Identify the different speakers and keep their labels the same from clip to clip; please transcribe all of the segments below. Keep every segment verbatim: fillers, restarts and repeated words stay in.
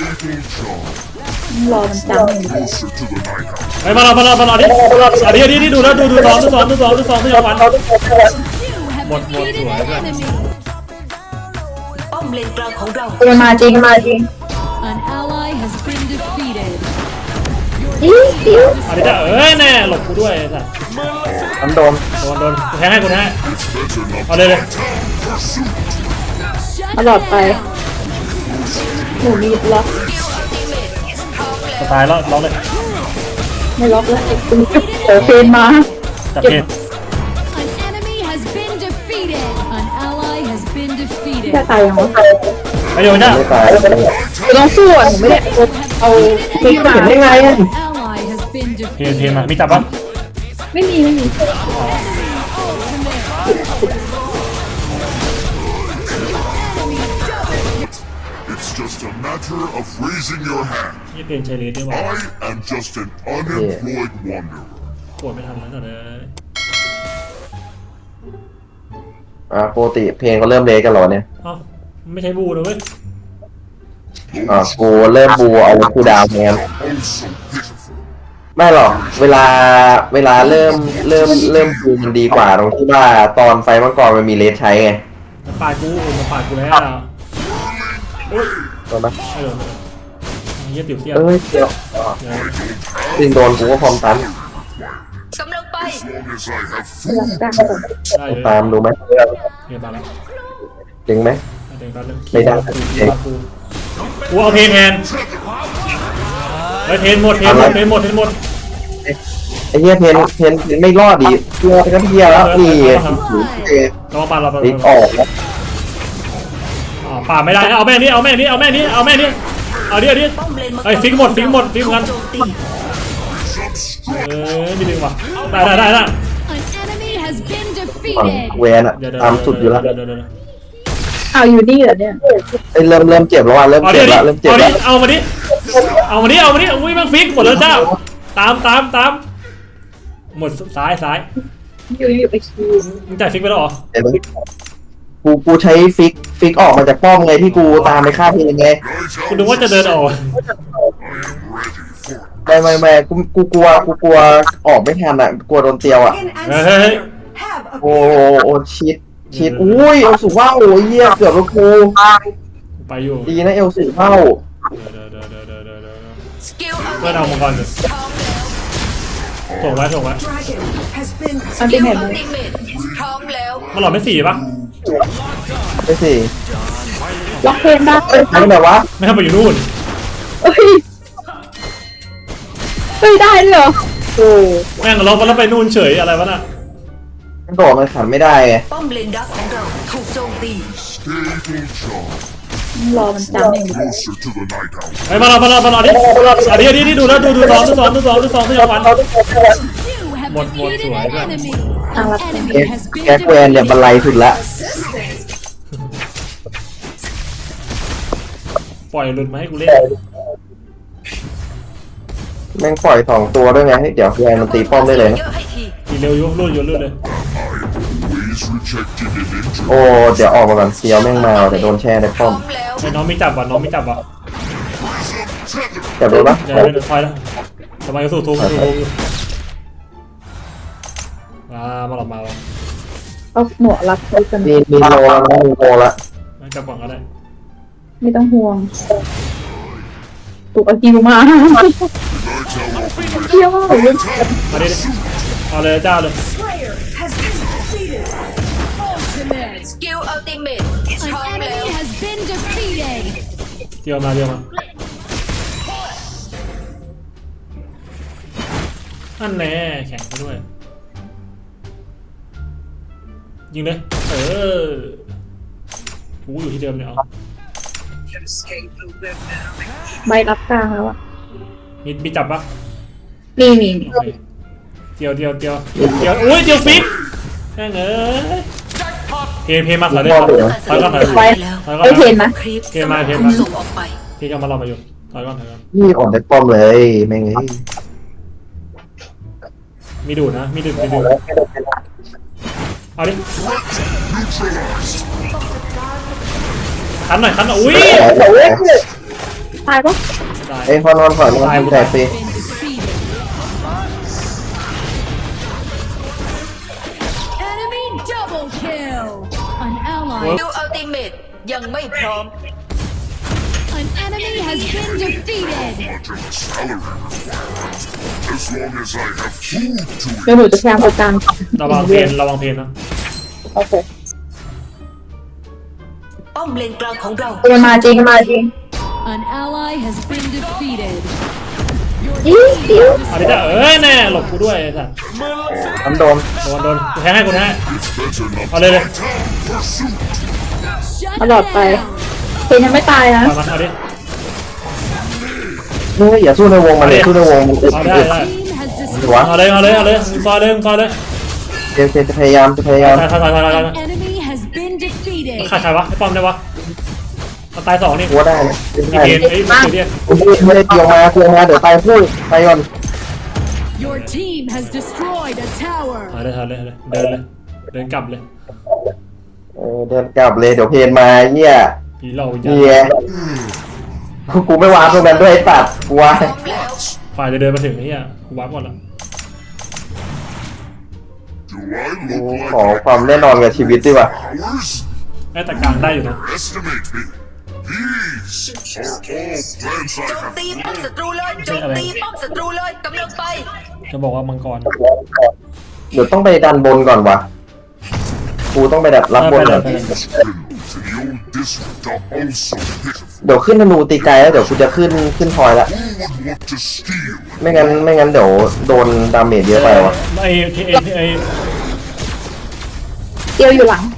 Speaker 1: รอมันจำ
Speaker 2: ไปมาเรามาเรามาเราดิอันนี้อันนี้นี่ดูแล้วดูดูสองดูสองดูสองดูสองดูอย่างวันหมดหมดสวยด้วย
Speaker 3: ป้อมเลนกลางของเรา
Speaker 1: มันมาจริงมาจริง
Speaker 4: An ally has been defeated.
Speaker 1: อิ๊วอิ๊ว
Speaker 2: อันนี้จะเอ้ยแน่หลบกูด้วยสัตว์
Speaker 5: มันโดน
Speaker 2: โดนโดนกูแทงให้กูแทงให้เอาเลยเลย
Speaker 1: ตลอดไปหนูมีล็อก
Speaker 2: สไตล์แล้วล็อกเลย
Speaker 1: ไม่ล็อกแล้วคุณโอเคนมา
Speaker 2: จับเพน
Speaker 4: An enemy has been defeated. An ally has been defeated.
Speaker 1: จะตายยังวะ
Speaker 2: ไปเดี๋ยวจ้า
Speaker 5: ไม่ตาย
Speaker 1: กูต้องสู้อ่ะหนูไม่ได้เอาพลิกมา
Speaker 5: เห็นได้ไงอ่ะ
Speaker 4: Ally has been
Speaker 2: เพน
Speaker 4: defeated.
Speaker 2: เพนมามีจับปะ
Speaker 1: ไม่มีไม่มี
Speaker 6: It's just a matter of raising your hand.
Speaker 2: ยี่เพนใช้เลสได้ป่ะ
Speaker 6: I am just an unemployed wanderer.
Speaker 2: ปวดไม่ทันแล้วเลย
Speaker 5: อ่าปกติเพลงก็เริ่มเลกันหรอเนี่ย
Speaker 2: เอ้าไม่ใช่บูนะเว้ย
Speaker 5: อ่ากูเริ่มบูเอาคูดาวแทน
Speaker 6: Oh, so pitiful.
Speaker 5: ไม่หรอกเวลาเวลาเริ่มเริ่มเริ่มบูมันดีกว่าตรงที่ว่าตอนไฟมังกรมันมีเลสใช้ไง
Speaker 2: มันปาดกูมันปาดกูแล้วโอ้ย
Speaker 5: โดนไหม
Speaker 2: ไม่โดนไม่โดนเยี่ยติ๋วเสี้ยน
Speaker 5: เอ้ยเดี๋ยว
Speaker 2: เดี๋ยว
Speaker 5: จริงโดนกูก็พร้อมตัน
Speaker 3: กำลังไป
Speaker 6: As long as I have
Speaker 1: ล็อก
Speaker 6: food.
Speaker 1: ได้
Speaker 2: ได้เลย
Speaker 5: ตามดูไหม
Speaker 2: เพนมาแล้ว
Speaker 5: จริงไหม
Speaker 2: เดี๋ยวตอนนึง
Speaker 5: ไม่ได้
Speaker 2: กูกูเอาเพนแทนเฮ้ยเพนหมดเพนหมดเพนหมดเพนหมด
Speaker 5: ไอ้เหี้ยเพนเพนเพนไม่รอดดิกลัวกันเหี้ยแล้วนี่เอ
Speaker 2: ลองปาดเราไป
Speaker 5: ลิกออกแล้ว
Speaker 2: อ๋อปาดไม่ได้นะเอาแม่นี้เอาแม่นี้เอาแม่นี้เอาแม่นี้เอาดิเอาดิ
Speaker 3: ป้อมเลนมังกร
Speaker 2: เฮ้ยฟิกหมดฟิกหมดฟิกกัน
Speaker 3: โจมตี
Speaker 2: เออมีดึงว่ะได้ได้ได้ได้
Speaker 4: An enemy has been
Speaker 5: ฝั่ง
Speaker 4: defeated.
Speaker 5: เวนอะ
Speaker 2: เดี๋ยว
Speaker 5: ตามสุดอยู่แล้ว
Speaker 2: เดี๋ยวเดี๋ยวเดี๋ยว
Speaker 1: เอาอยู่นี่เหรอเนี่ย
Speaker 5: ไอ้ยเริ่มเริ่มเจ็บแล้วว่ะเริ่ม
Speaker 2: เอาดิ
Speaker 5: เจ็บ
Speaker 2: เอาดิ
Speaker 5: แล้วเริ่มเจ็บ
Speaker 2: เอาดิ
Speaker 5: แล้ว
Speaker 2: เอามาดิเอามาดิเอามาดิอุ้ยแม่งฟิกหมดแล้วเจ้าตามตามตามหมดซ้ายซ้าย
Speaker 1: อยู่อยู่ไปคิว
Speaker 2: มึงจ่ายฟิกไปแล้วเหรอ
Speaker 5: เดี๋ยวกูกูใช้ฟิกฟิกออกมาจากป้อมไงที่กูตามไปฆ่าเพลงไง
Speaker 2: คุณนึกว่าจะเดินออก
Speaker 6: I am ready for it.
Speaker 5: ไม่ไม่ไม่กูกูกลัวกูกลัวออกไม่ทันอ่ะกลัวโดนเตียวอ่ะ
Speaker 2: เฮ้ยเฮ้ยเฮ้ย
Speaker 5: โอ้โอ้ชิดชิดอุ้ยเอลสูว่าโอ้ยเหี้ยเกือบแล้วกู
Speaker 2: กูไปอยู่
Speaker 5: ดีนะเอลสูเข้า
Speaker 2: เดี๋ยวเดี๋ยวเดี๋ยวเดี๋ยวเดี๋ยวเดี๋ยวเดี๋ยว
Speaker 3: สกิล
Speaker 2: เพื่อนเอามังกรเลยส่งไว้ส่งไว้
Speaker 1: อัน
Speaker 3: สกิ
Speaker 1: ที่
Speaker 3: ล
Speaker 1: ไหน
Speaker 3: อัล
Speaker 1: เลย
Speaker 3: ติเมทพร้อมแล้ว
Speaker 2: มันหลอดไม่สี่ปะ
Speaker 5: ไปสิ
Speaker 1: ล็อกเพนได้
Speaker 5: ทำไมวะ
Speaker 2: ไม่ทำไปอยู่นู่น
Speaker 1: เอ้ยเฮ้ยได้ด้วยเหรอโอ้
Speaker 2: แม่งเราแล้วไปนู่นเฉยอะไรวะน่ะ
Speaker 5: มันโดดมันขันไม่ได้ไง
Speaker 3: ป้อมเลนดักของเราถูกโจมตี
Speaker 6: Stay charged.
Speaker 1: รอมันจำเอง
Speaker 6: Closer to the night owl.
Speaker 2: ไปมาเรามาเรามาเราดิอันนี้อันนี้นี่ดูแล้วดูดูสองดูสองดูสองดูสองดูอย่างวัน
Speaker 4: You have
Speaker 2: Một- một
Speaker 4: defeated
Speaker 2: chuỗi
Speaker 4: an
Speaker 2: rồi.
Speaker 4: enemy.
Speaker 1: อ่ะ
Speaker 4: An
Speaker 1: รับ
Speaker 4: enemy
Speaker 5: แก๊ก
Speaker 4: has been
Speaker 5: แก๊กแวนเนี่ย
Speaker 4: defeated.
Speaker 5: บันไลสุดละ
Speaker 2: ปล่อยหลุดมาให้กูเล่น
Speaker 5: แม่งปล่อยสองตัวด้วยไงเดี๋ยวแวนมันตีป้อมได้เลยนะ
Speaker 3: เยอะให้ที
Speaker 2: ทีเร็วยุ่รุ่นยุ่รุ่นเลย
Speaker 6: Always rejected an injury.
Speaker 5: โอ้เดี๋ยวออกมาก่อนเซียวแม่งมาแต่โดนแช่ใน
Speaker 3: พร้
Speaker 5: ป้
Speaker 3: อ
Speaker 5: อม
Speaker 3: มแล้ว
Speaker 2: ไอ้น้องไม่จับว่ะน้องไม่จับว่ะ
Speaker 5: จับโดนปะ
Speaker 2: เดี๋ยวเดี๋ยวคอยแล้วทำไมก็สู้ทุบสู้ทุบมามาหลอกมาว่ะ
Speaker 1: เอาหนวดรับไปกัน
Speaker 5: มีมีโลแล้วนะมีโลละ
Speaker 2: ไม่จับก่อนก็ได้
Speaker 1: ไม่ต้องห่วงถูกเอาคิวมาเที่ยวมากเลย
Speaker 2: มาดิเอาเลยเจ้าเลย
Speaker 3: สกิลอัลติเมท
Speaker 4: An
Speaker 3: พร้อมแล้ว
Speaker 4: enemy has been defeated.
Speaker 2: เดียวมาเดียวมาอันแน่แข่งไปด้วยยิงเลยเออกูอยู่ที่เดิมเนี่ยเอา
Speaker 1: ใบรับกลางแล้วอ่ะ
Speaker 2: มีมีจับปะ
Speaker 1: มีมี
Speaker 2: โอเคเดียวเดียวเดียวเดียวอุ้ยเดียวฟิกแม่งเอ้ยเพย์เพย์มาถอยเลยถอยก่อนถอยก่อน
Speaker 1: ไป
Speaker 2: ถอยก่อน
Speaker 1: เอ้ย
Speaker 2: ถอย
Speaker 1: เห็น
Speaker 2: ก่อน
Speaker 1: ไหม
Speaker 3: คลิป
Speaker 2: เกมมาเกม
Speaker 3: ถู
Speaker 2: มา
Speaker 3: กส่งออกไป
Speaker 2: พี่จะมาเรามาอยู่ถอยก่อนถอยก่อน
Speaker 5: นี่ออกได้ป้อมเลยแม่งเอ้ย
Speaker 2: มีดูดนะมีดูดมีดูดเอาดิคันหน่อยคันหน่อยอุ้ย
Speaker 1: ตายปะ
Speaker 2: ได้
Speaker 5: เอ้ยพอนอนก่อนนอนแต่สิ
Speaker 4: Been defeated. Enemy double kill. An ally.
Speaker 3: ดูอัลติเมทยังไม่พร้อม
Speaker 4: An enemy has been defeated.
Speaker 6: Much of a salary. As long as I have food to
Speaker 1: เดี๋ยวหนูจะพยายามเอากลาง
Speaker 2: ระวังเพนระวังเพนนะ
Speaker 1: โอเค
Speaker 3: ป้อมเลนกลางของเรา
Speaker 1: มันมาจริงมาจริง
Speaker 4: An ally has been defeated.
Speaker 1: อีเดียว
Speaker 2: เอาดิจ้ะเอ้ยแน่หลบกูด้วยไอ้สัส
Speaker 5: น้ำโดน
Speaker 2: โดนโดนกูแทงให้กูแทงให้
Speaker 6: better not
Speaker 2: เอาเลยเลย
Speaker 6: pursuit.
Speaker 4: Shut
Speaker 1: ตลอดไป
Speaker 4: down.
Speaker 1: เพนยังไม่ตายนะ
Speaker 2: เอามันเอาดิ
Speaker 5: เฮ้ยอย่าสู้ในวงมันเลยสู้ในวงมันอึด
Speaker 2: เอาได้
Speaker 5: อึด
Speaker 2: ได้
Speaker 4: Team has
Speaker 5: หรือวะ
Speaker 2: เอาเลยเอาเลยเอาเลยมึงซอยเลยมึงซอยเลย
Speaker 5: เจมส์จะพยายามจะพยายาม
Speaker 2: ใครใครใครใครใคร
Speaker 4: An enemy has been defeated.
Speaker 2: ใครใครวะไอ้ป้อมได้วะมันตายสองนี่
Speaker 5: หัวได้นะเป็น
Speaker 2: ไอ้
Speaker 5: ไง
Speaker 2: เพนไอ้เดีย
Speaker 5: ผมไม่ได้เกี่ยวมาเกี่ยวมาเดี๋ยวตายพูดไปก่อน
Speaker 4: Your team has destroyed a tower.
Speaker 2: เอาเลยเอาเลยเอาเลยเดินเลยเดินกลับเลย
Speaker 5: เออเดินกลับเลยเดี๋ยวเพนมาเนี่ย
Speaker 2: ผีเราวิญญา
Speaker 5: เนี่
Speaker 2: ณ
Speaker 5: ยกูไม่วางตรงนั้นด้วยไอ้ตัดกูวาง
Speaker 3: พร้อมแล้ว
Speaker 2: ฝ่ายจะเดินมาถึงไอ้เหี้ยกูวับก่อนละ
Speaker 6: Do I
Speaker 5: กู
Speaker 6: look
Speaker 5: ขอ
Speaker 6: like
Speaker 5: ความแน่นอนกับชีวิตดีกว่า
Speaker 6: ours?
Speaker 2: ไอ้แต่กลางได้อยู่นะ
Speaker 6: Estimate me. These are all plans
Speaker 3: โจ
Speaker 6: I
Speaker 3: ม
Speaker 6: have.
Speaker 3: ตีป้อมศัตรูเลยโจมตีป้อมศัตรูเลยกำลังไป
Speaker 2: จะบอกว่ามังกร
Speaker 5: เดี๋ยวต้องไปดันบนก่อนวะกูต้องไปดับรับบนก่อน
Speaker 2: ไปเลย
Speaker 6: To the old district are also pitiful.
Speaker 5: เดี๋ยวขึ้นธนูตีไกลแล้วเดี๋ยวกูจะขึ้นขึ้นทอยละ
Speaker 6: Who would want to steal?
Speaker 5: ไม่งั้นไม่งั้นเดี๋ยวโดนดาเมจเยอะไปวะ
Speaker 2: ไอ้ที่ไอ้ไอ้
Speaker 1: เดียวอยู่หลัง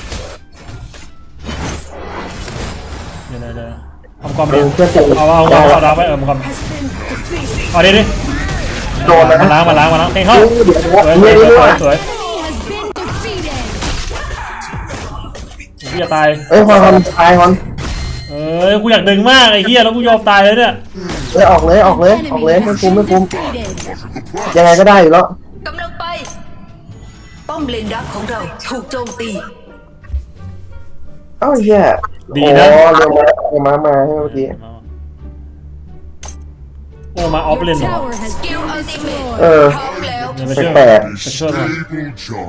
Speaker 2: เดี๋ยวเดี๋ยวเดี๋ยวมังกร
Speaker 5: เอ
Speaker 2: เดีย
Speaker 5: อ
Speaker 2: ว
Speaker 5: เพื่อนจะ
Speaker 2: เอาเอาเอาเอาดาวไว้เออมังกรเอาดิดิ
Speaker 5: โดนนะ
Speaker 2: มาล้างมาล้างมาล้างเพลงเข้า
Speaker 5: เดี๋ยว
Speaker 2: สวย
Speaker 5: เดี๋ยว
Speaker 2: ส
Speaker 5: เดี๋
Speaker 2: วย
Speaker 5: ยว
Speaker 2: สวย
Speaker 5: เดี๋ยว
Speaker 2: สวย
Speaker 4: Enemy has been defeated.
Speaker 2: พี่จะตาย
Speaker 5: เอ้ยฮอนฮอนตายฮอน
Speaker 2: เอ้ยกูอยากดึงมากไอ้เหี้ยแล้วกูยอมตายเลยเนี่ย
Speaker 5: เอ้ยออกเลยออกเลยออกเลย
Speaker 4: Enemy
Speaker 5: ไม่
Speaker 4: has
Speaker 5: คุ้ม
Speaker 4: been
Speaker 5: ไม่คุ้ม
Speaker 4: defeated.
Speaker 5: ยังไงก็ได้อยู่แล้ว
Speaker 3: กำลังไป ป้อมเลนดักของเราถูกโจมตี
Speaker 5: เอ้าเหี้ย
Speaker 2: ดี
Speaker 5: โอ้
Speaker 2: นะ
Speaker 5: เร็วมาเร็วมามาให้เมื่อกี้
Speaker 2: โอ้มาออฟเล
Speaker 4: Your
Speaker 2: นเหรอ
Speaker 4: tower has
Speaker 3: สกิล
Speaker 4: been
Speaker 3: อัลติเมท
Speaker 4: destroyed.
Speaker 5: เออ
Speaker 3: พร้อมแล้ว
Speaker 2: เดี๋ยวไปช่วย
Speaker 5: แปลก
Speaker 2: ไปช่วยมัน
Speaker 6: Stable job.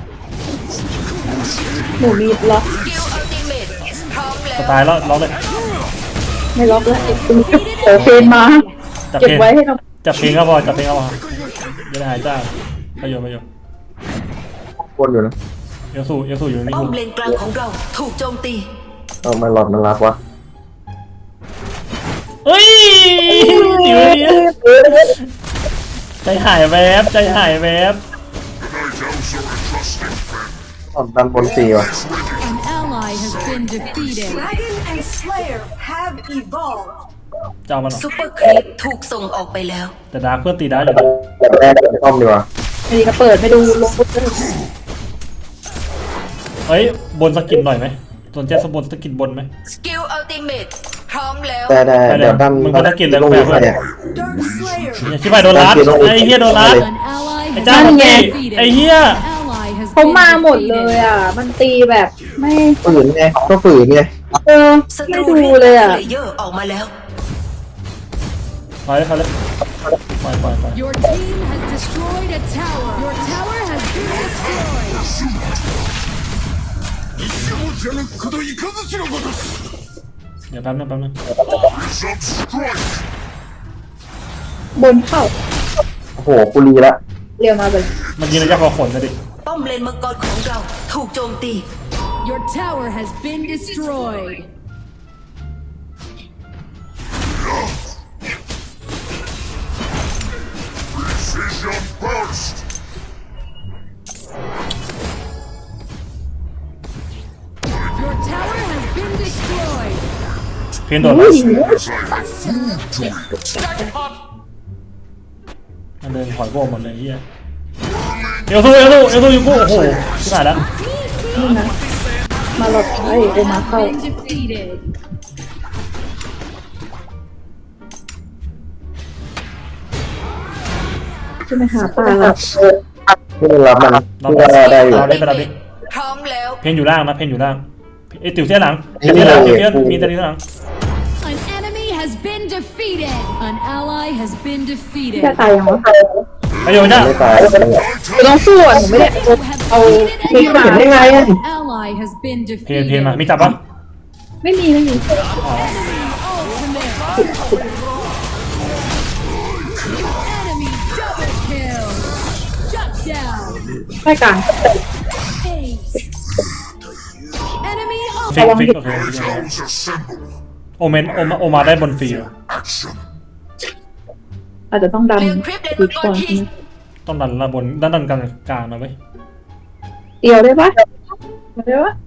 Speaker 1: หนูมีล็อก
Speaker 3: สกิลอัลติเมทพร้อมแล้
Speaker 2: จะ
Speaker 3: ว
Speaker 2: ตายแล้วล็อกเลย
Speaker 1: ไม่ล็อกแล้วเออเพนมา
Speaker 2: จับ
Speaker 1: เก็บ
Speaker 2: เพลง
Speaker 1: ไว้ให้เรา
Speaker 2: จับเพลงก็พอจับเพลงก็พอจะได้หายจ้าประโยชน์ประโยชน์
Speaker 5: ๆคนอยู่นะ
Speaker 2: เอลสูเอลสูอยู่นี่
Speaker 3: ป้อ
Speaker 2: กู
Speaker 3: มเลนกลางของเราถูกโจมตี
Speaker 5: เอามาหลอดมันรักวะ
Speaker 2: เฮ้ยอยู่นี่ใจหายแวบใจหายแวบ
Speaker 6: Night owls are a trusting friend.
Speaker 5: หลอดดันบนสีวะ
Speaker 4: An ally has been defeated.
Speaker 7: Dragon and Slayer have evolved.
Speaker 2: เจ้ามันเหรอ
Speaker 3: ซูเปอร์ครีปถูกส่งออกไปแล้ว
Speaker 2: แต่ดาร์กเพื่อนตีได้อยู่นะ
Speaker 5: แบบแรกเป็นต้อมดีกว่า
Speaker 1: อันนี้ก็เปิดไม่ดูลงปุ๊บเลย
Speaker 2: เฮ้ยบนสกินหน่อยไหมสนใจสบนสกินบนไหม
Speaker 3: สกิลอัลติเมทพร้อมแล้ว
Speaker 5: ได้ได้
Speaker 2: ไปเลย
Speaker 5: เดี๋ยวดัน
Speaker 2: มึงคนละกินเลย
Speaker 5: ลง
Speaker 2: แบบ
Speaker 5: ไปเนี่ย
Speaker 7: Dark Slayer
Speaker 2: อย่าชิบหายโดนรัดไอ้เหี้ยโดนรัด
Speaker 4: An ally
Speaker 2: ไอ้
Speaker 4: has
Speaker 2: เจ้า
Speaker 4: been
Speaker 2: มันตี
Speaker 4: defeated.
Speaker 2: ไอ้เหี้ย
Speaker 4: An ally has
Speaker 1: เขา
Speaker 4: been
Speaker 1: มาหมดเลย
Speaker 4: defeated.
Speaker 1: อ่ะ มันตีแบบไม่
Speaker 5: ฝืนไงก็ฝืนไง
Speaker 1: เออ
Speaker 3: ศัต
Speaker 1: ไม่
Speaker 3: รู
Speaker 1: ดู
Speaker 3: เรียก
Speaker 1: เลยอ่ะ
Speaker 3: เลเยอร์ออกมาแล้ว
Speaker 2: ปล่อยเลยปล่อยเลยปล่อยปล่อยปล่อย
Speaker 4: Your team has destroyed a tower. Your tower has been destroyed.
Speaker 2: เดี๋ยวแป๊บนึงแป๊บนึง
Speaker 6: Substrike.
Speaker 1: บนเข้า
Speaker 5: โอ้โหกูรีละ
Speaker 1: เรียวมาไป
Speaker 2: มันยิงระยะพอขนนะดิ
Speaker 3: ป้อมเลนมังกรของเราถูกโจมตี
Speaker 4: Your tower has been destroyed.
Speaker 6: Precision burst.
Speaker 4: Your tower has been destroyed.
Speaker 2: เพียนโดนรัด
Speaker 6: As I have food to eat.
Speaker 2: มันเดินถอยพวกหมดเลยไอ้เหี้ยเอลซูเอลซูเอลซูอยู่กูโอ้โหชิบหายแล้ว
Speaker 1: นี่นะ มาหลอดไอ้โอมาเข้า
Speaker 4: Been defeated.
Speaker 1: จะไปหาปลาละ
Speaker 5: ที่มันรับมัน
Speaker 2: เรา
Speaker 5: ที่ว่าได้อยู่
Speaker 2: เราได้ไปเราดิ
Speaker 3: พร้อมแล้ว
Speaker 2: เพนอยู่ล่างนะเพนอยู่ล่างไอ้ติ๋วเสี้ยหลังเสี้ยหลังติ๋วเสี้ยมีแต่ติ๋วเสี้ยหลัง
Speaker 4: An enemy has has been defeated. An ally has been
Speaker 1: พี่
Speaker 4: defeated.
Speaker 1: จะตายยังวะ
Speaker 2: ไอ้โยจ้า
Speaker 5: ไม่ตาย
Speaker 1: หนูต้องสู้อ่ะหนูไม่ได้
Speaker 4: You have
Speaker 1: เอา
Speaker 4: defeated
Speaker 1: พลิก
Speaker 4: an
Speaker 1: มา
Speaker 5: เห็นได้ไงอะ
Speaker 4: ally has been
Speaker 2: เพนเพนมา
Speaker 4: defeated.
Speaker 2: มีจับปะ
Speaker 1: ไม่มีไม่มี
Speaker 4: Enemy double kill. Shut down.
Speaker 1: ไม่กลาง
Speaker 4: Ace. Enemy
Speaker 2: ฟิก
Speaker 4: ultimate.
Speaker 2: ฟิกโอเค
Speaker 6: Shadows assemble.
Speaker 2: โอเมนโอมาโอมาได้บนฟรีเหรอ
Speaker 6: Action.
Speaker 1: อาจจะต้องดัน
Speaker 3: เรียงคลิปเด็ด
Speaker 1: อี
Speaker 3: มั
Speaker 1: ก
Speaker 3: งก
Speaker 1: ก่อ
Speaker 3: ร
Speaker 1: น
Speaker 3: คิง
Speaker 2: ต้องดันระบนด้านดันกลางกลางนะเว้ย
Speaker 1: เดียวได้ปะมาได้ปะ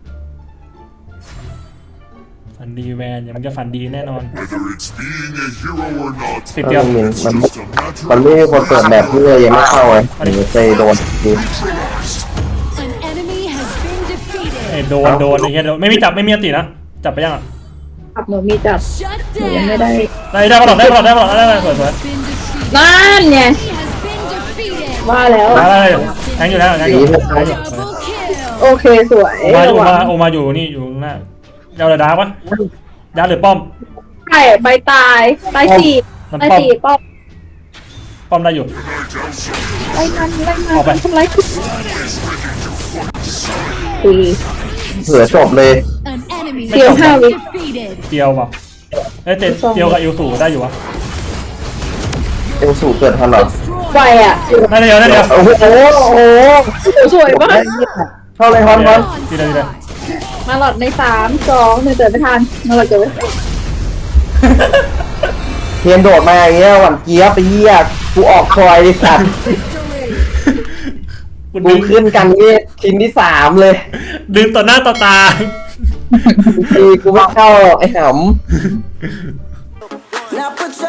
Speaker 2: ฝันดีแวนอย่ามันจะฝันดีแน่นอน
Speaker 6: Whether it's being a hero or not,
Speaker 2: ติดเดียว
Speaker 5: มัน
Speaker 6: it's just a matter
Speaker 5: มันไม่มีคนเปิดแบบที่เลยยังไม่เข้าไงหนูเคยโดนที
Speaker 6: neutralized.
Speaker 4: An enemy has been defeated.
Speaker 2: ไอ้โดนโดนไอ้เงี้ยโดนไม่มีจับไม่มีอันตินะจับไปยังอ่ะ
Speaker 1: ขับหนูมีจับ
Speaker 4: Shut
Speaker 1: หนูยังไม่
Speaker 4: down.
Speaker 1: ได้
Speaker 2: ได้ได้ปลอดได้ปลอดได้ปลอดได้ได้สวยสวย
Speaker 4: Been defeated.
Speaker 1: นั่นไง
Speaker 4: He has been defeated.
Speaker 1: ว่าแล้ว
Speaker 2: ได้ได้แทงอยู่แล้วแทงอยู่แทงอยู่
Speaker 4: Double kill.
Speaker 1: โอเคสวย
Speaker 2: โอมาโอ
Speaker 1: ระวั
Speaker 2: มาง โอมาอยู่นี่อยู่หน้าเจ้าเลยดาร์กวะดาร์กหรือป้อม
Speaker 1: ใช่ใบตายตายสี่
Speaker 2: มัน
Speaker 1: ตาย
Speaker 2: ป้อม
Speaker 1: สี่ป้อม
Speaker 2: ป้อมได้อยู่
Speaker 1: ไล่มันไล่มัน
Speaker 2: ออกไป
Speaker 1: ทำไรคุณตี
Speaker 5: เผื่อจบเลย
Speaker 4: An enemy
Speaker 1: เดียวห้า
Speaker 4: has
Speaker 1: วิ
Speaker 4: been defeated.
Speaker 2: เกียวเปล่าเอ้ยเตะเกียวกับอิวสูได้อยู่วะ
Speaker 5: เอลสูเกิดทันเหรอ
Speaker 1: ไวอ่ะ
Speaker 2: ได้เดียวได้เดียว
Speaker 5: โอ้โหโอ้โห
Speaker 1: สวยมาก
Speaker 5: เข้าเลยฮอนฮอน
Speaker 2: ดีเลยดีเลย
Speaker 1: มาหลอดในสามสองหนึ่งเดินไม่ทันมาหลอดเกิดไม่ทัน
Speaker 5: เทียนโดดมาอย่างเงี้ยหวั่นเจี๊ยบไปเยี่ยกูออกคอยดิสัตว์
Speaker 2: กู
Speaker 5: กู
Speaker 2: ดึง
Speaker 5: ขึ้นกันนี่ชิ้นที่สามเลย
Speaker 2: ดึงต่อหน้าต่อตา
Speaker 5: ทีกูไม่เข้าไอ้หำ
Speaker 8: Now put your